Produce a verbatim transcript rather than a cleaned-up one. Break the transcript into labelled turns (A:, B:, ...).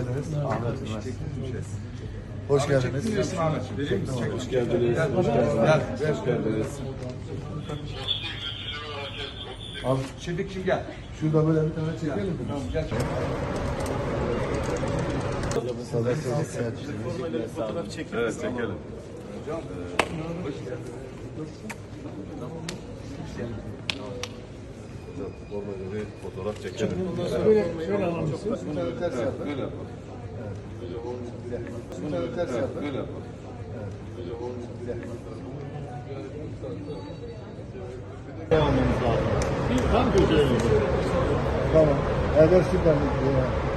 A: geldiniz.
B: Ahmet
A: Hoş geldiniz.
B: Hoş geldiniz. Hoş geldiniz. Hoş geldiniz.
A: Abi
C: Şefik'cim gel.
A: şurada böyle bir tane çekelim mi?
C: Tamam gel.
A: Sadat Sadat Selçuk.
B: Fotoğraf çekelim. Evet çekelim. Normalde bir fotoğraf çekelim.
A: Böyle şöyle alalımsınız. Bir tane ters yapın.
B: Böyle yapalım.
A: Bir tane ters yapın.
B: Böyle yapalım.
D: Devamımız lazım. Bir tam götürelim.
A: Tamam. Eder süper.